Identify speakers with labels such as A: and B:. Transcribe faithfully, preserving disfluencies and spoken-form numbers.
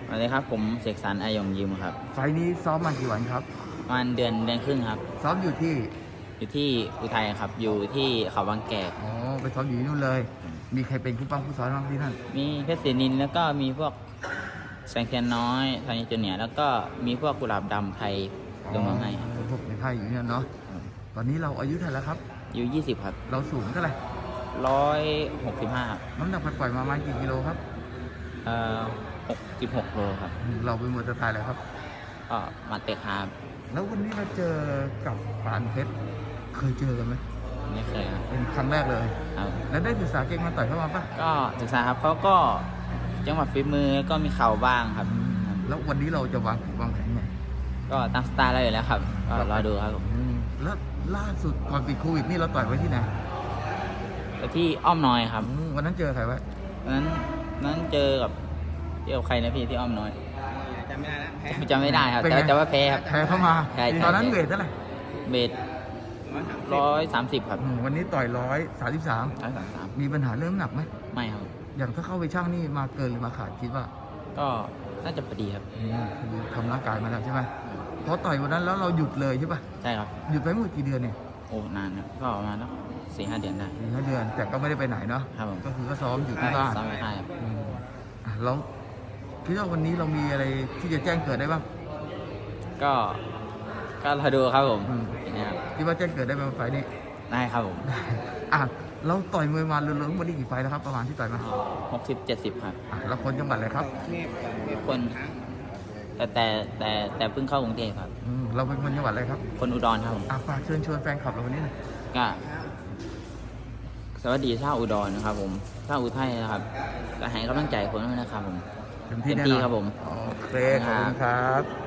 A: สวัสดีครับผมเสกสรรอายงยิมครับ
B: ไฟล์นี้ซ้อมมากี่วันครับ
A: ประมาณเดือนเดือนครึ่งครับ
B: ซ้อมอยู่ที่
A: อยู่ที่อุทัยครับอยู่ที่เขาบางแกก
B: อ๋อไปซ้อมอยู่ที่นู่นเลย มีใครเป็นผู้ปั้มผู้ซ้อมบ้างที่นั่น
A: มีเพชรศรีนินแล้วก็มีพวกแสงเทียนน้อยทานิจูเนียร์แล้วก็มีพวกกุหลาบดำไทยลงมาให้ครับ
B: พวกในค่ายอยู่เนี่ยเนาะตอนนี้เราอายุเท่าไหร่แล้วครับ
A: อยู่ยี่สิบครับ
B: เราสูงเท่าไหร่
A: ร้อยหกสิบห้าครับ
B: น้ำหนักปล่อยมาประมาณกี่กิโลครับ
A: เอ่อหกสิบหกโลครับ
B: เราเป็นมวยสไตล์อะไรครับ
A: ก็มาเตะครับ
B: แล้ววันนี้เราเจอกับปานเพชรเคยเจอกันไหม
A: ไม่เคยครับ
B: เป็นครั้งแรกเลย
A: ครับ
B: แล้วได้ศึกษาเก่งมาต่อยเข้ามาปะ
A: ก็ศึกษาครับเขาก็จังหวะฝีมือก็มีเข่าบ้างครับ
B: แล้ววันนี้เราจะวางวางแผนไง
A: ก็ตามสไตล์เราอยู่แล้วครับก็รอดูครับผม
B: แล้วล่าสุดก่อนปิดโควิดนี่เราต่อยไว้ที่ไหน
A: ไปที่อ้อมน้อยครับ
B: วันนั้นเจอใครไว้
A: วันนั้นนั้นเจอกับเจอกับใครนะพี่ที่อ้อมน้อย
C: จำไม่ได้แล้วแพ้
A: จำไม่ได้ครับแต่แต่ว่าแพ้ครับ
B: แพ้เข้ามาตอนนั้นเวทเท่าไหร่
A: เบสร้อยสามสิบครับ
B: วันนี้ต่อยร้อยสามสิบสาม
A: ร้อยสามสาม
B: มีปัญหาเรื่องหนักไหม
A: ไม่ครับ
B: อย่างถ้าเข้าไปช่างนี่มาเกินหรือมาขาดคิดว่า
A: ก็น่าจะพอดีครับ
B: คือทำร่างกายมาแล้วใช่ไหมพอต่อยวันนั้นแล้วเราหยุดเลยใช่ป่ะ
A: ใช่ครับ
B: หยุดไปเมื่อกี่เดือนเนี่ย
A: โอ้นานนะก็ประมาณสี่ห้าเดือนได้
B: สี่ห้าเดือนแต่ก็ไม่ได้ไปไหนเนาะ
A: ครับผม
B: ก็คือก็ซ้อมอยู่ที่บ้าน
A: ซ้อมไม่ได้ครับ
B: แล้วคิดว่าวันนี้เรามีอะไรที่จะแจ้งเกิดได้บ้าง
A: ก็ก็เราดูครับผม
B: คิดว่าแจ้งเกิดได้ไหมไฟนี้
A: ได้ครับผม
B: อ่ะเราต่อยมวยมาเรื่อยๆวันนี้กี่ไฟแล้วครับประมาณที่ต่อยมา
A: หกสิบเจ็ดสิบครับ
B: เราคนจังหวัดอะไรครับ
A: คนแต่แต่แต่แต่เพิ่งเข้ากรุงเทพครับ
B: เราเป็นคนจังหวัดอะไรครับ
A: คนอุดรครับผม
B: ฝากเชิญชวนแฟนคลับเราวันนี้หน่อย
A: ก็สวัสดีชาวอุดรนะครับผมชาวอุทัยนะครับก็ให้กำลังใจคนด้วยนะครับผม
B: เต็มที่ครับผมโอเคขอบคุณครับ